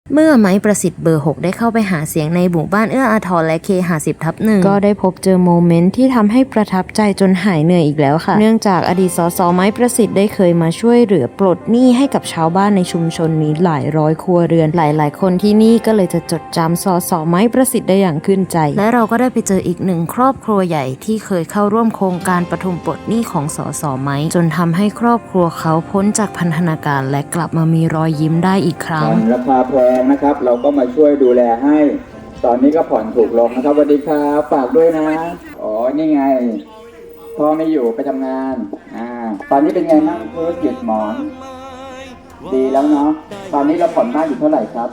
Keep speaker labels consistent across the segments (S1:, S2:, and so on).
S1: เมื่อไม้ประสิทธิ์เบอร์ 6 ได้เข้าไปหาเสียงในหมู่บ้านเอื้ออาทรและเคหะ10/1ก็ได้พบเจอโมเมนต์ที่ทำให้ประทับใจจนหายเหนื่อยอีกแล้วค่ะเนื่องจากอดีตสสไม้ประสิทธิ์ได้เคยมาช่วยเหลือปลดหนี้ให้กับชาวบ้านในชุมชนนี้หลายร้อยครัวเรือนหลายๆคนที่นี่ก็เลยจะจดจำสสไม้ประสิทธิ์ได้อย่างขึ้นใจและเราก็ได้ไปเจออีกหนึ่งครอบครัวใหญ่ที่เคยเข้าร่วมโครงการปฐมปลดหนี้ของสสไม้จนทำให้ครอบครัวเขาพ้นจากพันธนาการและกลับมามีรอยยิ้มได้อีกครั้ง
S2: ราคาแพงนะครับเราก็มาช่วยดูแลให้ตอนนี้ก็ผ่อนถูกลงนะครับสวัสดีครับฝากด้วยนะอ๋อนี่ไงพ่อไม่อยู่ไปทำงานตอนนี้เป็นไงบ้างธุรกิจหมอนดีแล้วเนาะตอนนี้เราผ่อนบ้านอยู่เท่าไหร่ครับ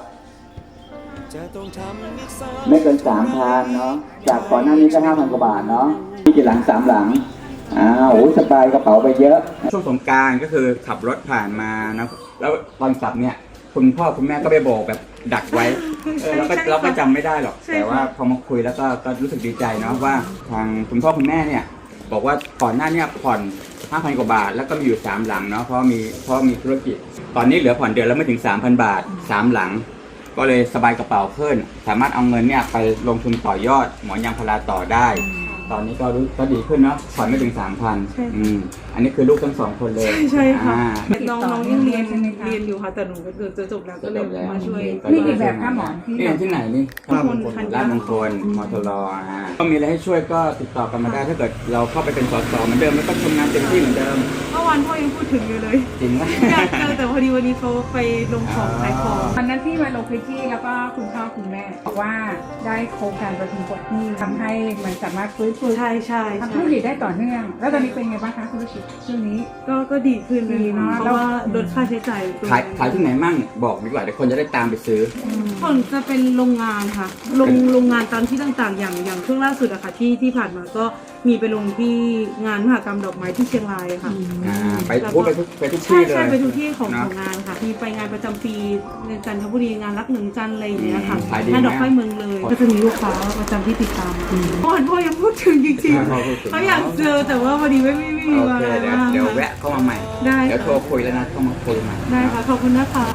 S2: ไม่เกิน3,000เนาะจากก่อนหน้านี้ก็5,000 กว่าบาทเนาะมีกี่หลัง3 หลังโอ้สบายกระเป๋าไปเยอะช่วงสงกรานต์ก็คือขับรถผ่านมานะแล้วตอนกลับเนี่ยคุณพ่อคุณแม่ก็ไปโบกแบบดักไว้เราก็จำไม่ได้หรอกแต่ว่าพอมาคุยแล้วก็รู้สึกดีใจเนาะว่าทางคุณพ่อคุณแม่เนี่ยบอกว่าก่อนหน้านี้ผ่อน 5,000 กว่าบาทแล้วก็มีอยู่3 หลังเนาะเพราะมีธุรกิจตอนนี้เหลือผ่อนเดือนแล้วไม่ถึง 3,000 บาท3 หลังก็เลยสบายกระเป๋าขึ้นสามารถเอาเงินเนี่ยไปลงทุนต่อยอดหมอนยางพาราต่อได้ตอนนี้ก็ดีขึ้นเนาะผ่อนไม่ถึง 3,000อันนี้คือลูกทั้ง2 คนเลย
S3: ใช่ค่ะน้องยังเรียนอยู่ค่ะแต่หนูก็จะจบแล้วก็เลยมาช่วย
S4: นี่กี่แบบค่ะหมอน
S2: นี่ที่ไหนนี่ราชมงคลมทรก็มีอะไรให้ช่วยก็ติดต่อกันมาได้ถ้าเกิดเราเข้าไปเป็นสสเหมือนเดิมแล้วก็ทำงานเต็มที่เหมือนเดิม
S3: เมื่อวานพ่อยังพูดถึงอยู่เลย
S2: จริงไหม
S3: อยากเจอแต่พอดีวันนี้เขาไปลงของขายของ
S4: วันนั้นที่มาลงพื้นที่แล้วก็คุณพ่อคุณแม่บอกว่าได้โครงการประทุมปลดหนี้ทำให้มันสามารถฟื้นฟูทำธุรกิจได้ต่อเนื่องแล้วตอนนี้เป็นไงบ้างคะธุรกิจช่วงนี้
S3: ก็ดีขึ้นเลยเนาะเพราะว่าลดค่าใช้จ่าย
S2: ขายที่ไหนมั่งบอกดีกว่าเดี๋ยวคนจะได้ตามไปซื้อ
S3: ผลจะเป็นโรงงานค่ะโรงงานตามที่ต่างๆอย่างช่วงล่าสุดอะค่ะที่ผ่านมาก็มีไปลงที่งานมหกรรมดอกไม้ที่เชียงรายค่ะ
S2: ไปทุกที่เลย
S3: ใช่ไปทุกที่ของงานค่ะมีไปงานประจำปีในจันทบุรีงานรักหนึ่งจันอะไรอย่างเงี้ยค่ะงานดอกไม้เมืองเลยก็จะมีลูกค้าประจำที่ติดตามพ่อยังพูดถึงจริงๆเขาอยากเจอแต่ว่าพอดีไม่มีเวลา
S2: เดี๋ยวแวะเข้ามาใหม่เดี๋ยวโทรคุยแล้วนะเข้ามาคุยใหม่
S3: ได้ค่ะขอบคุณนะคะ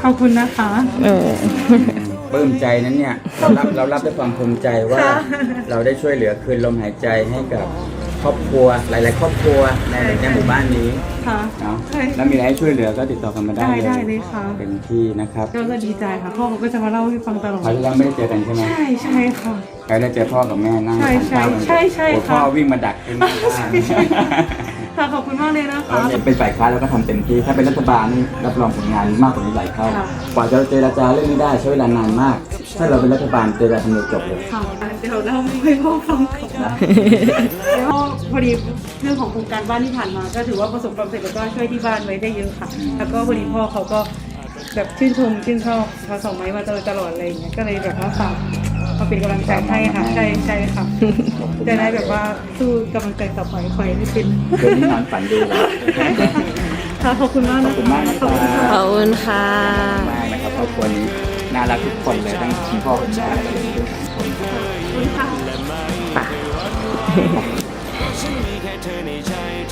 S2: ปลื้มใจนั้นเนี่ยเรารับด้วยความภูมิใจว่าเราได้ช่วยเหลือคืนลมหายใจให้กับครอบครัวหลายๆครอบครัวในหมู่บ้านนี้เนาะแล้วมีอะไรให้ช่วยเหลือก็ติดต่อกันมาได้
S3: เลยค่ะ
S2: เป็นที่นะครับ
S3: ก็ดีใจค่ะพ่อเขาก็จะมาเล่าให้ฟังตลอด
S2: เราไม่ได้เจอกันใช่ไหม
S3: ใช่ค่ะ
S2: เราได้เจอพ่อกับแม่นั่งทานข้าวกันพ่อวิ่งมาดักที่หน้าบ้าน
S3: ค่ะขอบคุณมากเลยนะคะ
S2: เป็นฝ่ายค้านเราก็ทำเต็มที่ถ้าเป็นรัฐบาลนี่รับรองผลงานมากกว่านี้หลายเท่ากว่าจะเจรจาเรื่องนี้ได้ใช้เวลานานมากถ้าเราเป็นรัฐบาลเจรจาทำเร็วจบเลย
S3: ค่ะเดี๋ยวเราให้พ่อฟังก่อนนะแล้วพอดีเรื่องของโครงการบ้านที่ผ่านมาก็ถือว่าประสบความสำเร็จแล้วก็ช่วยที่บ้านไว้ได้เยอะค่ะแล้วก็พอดีพ่อเขาก็แบบชื่นชอบพาสองไม้มาตลอดอะไรอย่างเงี้ยก็เลยแบบว่าฝากมาเป็นกำลังใจให้ค่ะใช่ค่ะจะได้แบบว่าสู้กำลังใจต่อไปคอยให้เป็น
S2: เรื่องนี้นอนฝันดีเลย
S3: ค่ะขอบคุณมาก
S2: ขอบคุณค่ะ
S1: ขอบคุณค่ะ
S2: มากนะครับครอบครัวนี้น่ารักทุกคนเลยทั้งคุณพ่อคุณแม่ทุกคน
S3: ขอบคุณค่ะ